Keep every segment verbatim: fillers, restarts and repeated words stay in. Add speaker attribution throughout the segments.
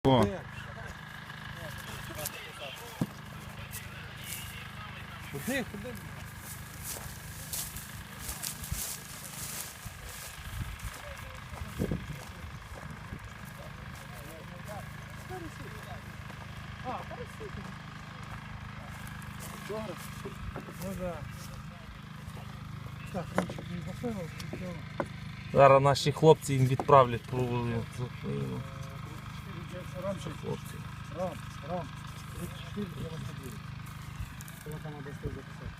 Speaker 1: О.
Speaker 2: Куди, куди? А, парасити. Добре. Ну да. Так, ранчик не поставив, нічого.
Speaker 3: Зараз наші хлопці їм відправлять провели.
Speaker 2: Ранчик.
Speaker 3: Хлопці.
Speaker 2: Рам, рам. тридцять чотири дев'яносто дев'ять. Кого там треба записати?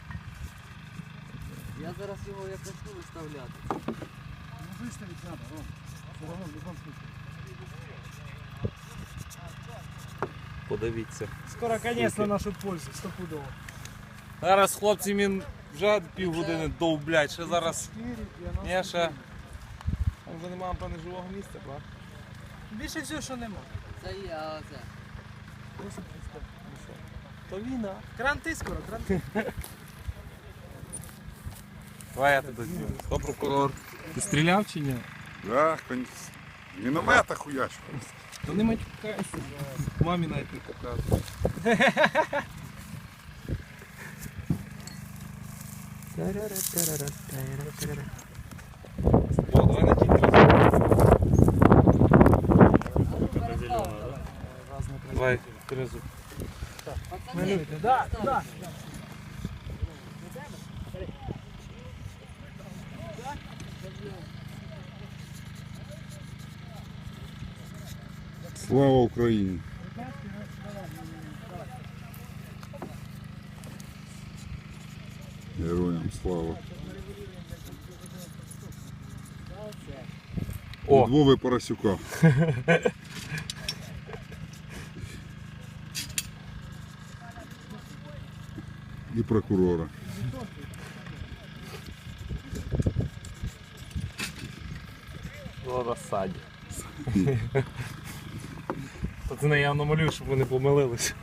Speaker 4: Я зараз його як почну виставляти.
Speaker 2: Ну виставити треба, Ром. Все равно в будь-якому случае.
Speaker 3: Подивіться.
Speaker 2: Скоро конець на нашу пользу, стопудово.
Speaker 3: Зараз хлопці він вже півгодини довблять, ще зараз. Ні, ще. Там вже немає, певне, живого місця, правда?
Speaker 2: Більше всього, що нема.
Speaker 4: Це є, а це.
Speaker 3: То війна.
Speaker 2: Кранти скоро, кранти.
Speaker 3: Давай я тебе зніму. Хто прокурор? Ти стріляв чи ні?
Speaker 1: Да, кон... Міномета хуячу.
Speaker 3: Та не матюкайся. Мамі навіть не показує. О, давай на тільки. Давай, трезу.
Speaker 4: Пацани,
Speaker 2: Да, да.
Speaker 1: Слава Україні! Героям слава!
Speaker 3: О.
Speaker 1: Від Вови Поросюка. І прокурора.
Speaker 3: В розсаді. Пацани, я явно малюю, щоб вони помилились.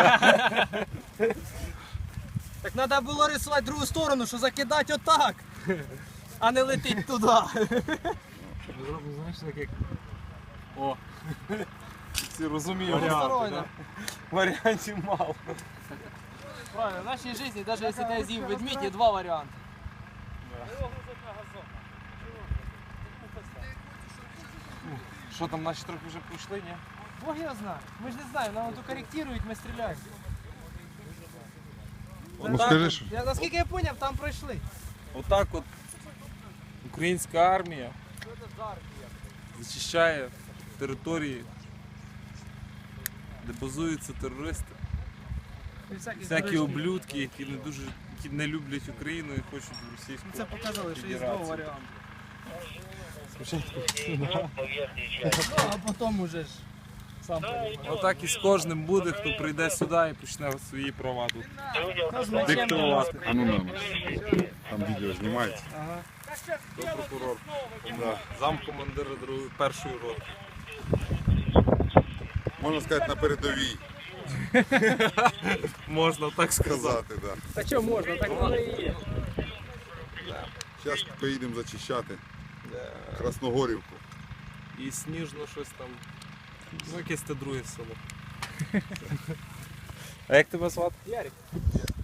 Speaker 2: Так треба було рисувати другу сторону, що закидати отак, а не летить туди.
Speaker 3: Зробимо, знаєш, так як... О! Всі розуміють
Speaker 2: Односторонньо.
Speaker 3: варіанти, да? Варіантів мало.
Speaker 2: Правильно, в нашій житті, навіть якщо ти з'їв ведмідь, є два варіанти.
Speaker 3: Що там, наші трохи вже пройшли, ні?
Speaker 2: Бог його знає. Ми ж не знаємо, нам тут коректують, ми стріляємо.
Speaker 1: Ну скажи, що
Speaker 2: Я, наскільки я зрозумів, там пройшли.
Speaker 3: Отак от українська армія зачищає території, де базуються терористи.
Speaker 2: І всякі,
Speaker 3: Всякі
Speaker 2: до речі,
Speaker 3: облюдки, які не дуже які не люблять Україну і хочуть в російську.
Speaker 2: Це показали, що є два
Speaker 3: Федерацію.
Speaker 2: варіанти.
Speaker 3: Спочатку.
Speaker 2: Ну, а потім уже ж сам понимаєш.
Speaker 3: Отак і з кожним буде, хто прийде сюди і почне свої права тут
Speaker 2: Хто з мечем
Speaker 3: диктувати.
Speaker 1: а ну нам. Там відео знімається.
Speaker 2: Ага.
Speaker 3: Хто прокурор? Да. Замкомандира другої першої роти.
Speaker 1: Можна сказати, на передовій.
Speaker 3: Можна так сказати.
Speaker 1: Сказати, да.
Speaker 2: Та що можна, так воно і є.
Speaker 1: Зараз поїдемо зачищати Красногорівку.
Speaker 3: І сніжно щось там. Ну, якесь те друге село. А як тебе звати?
Speaker 2: Ярик.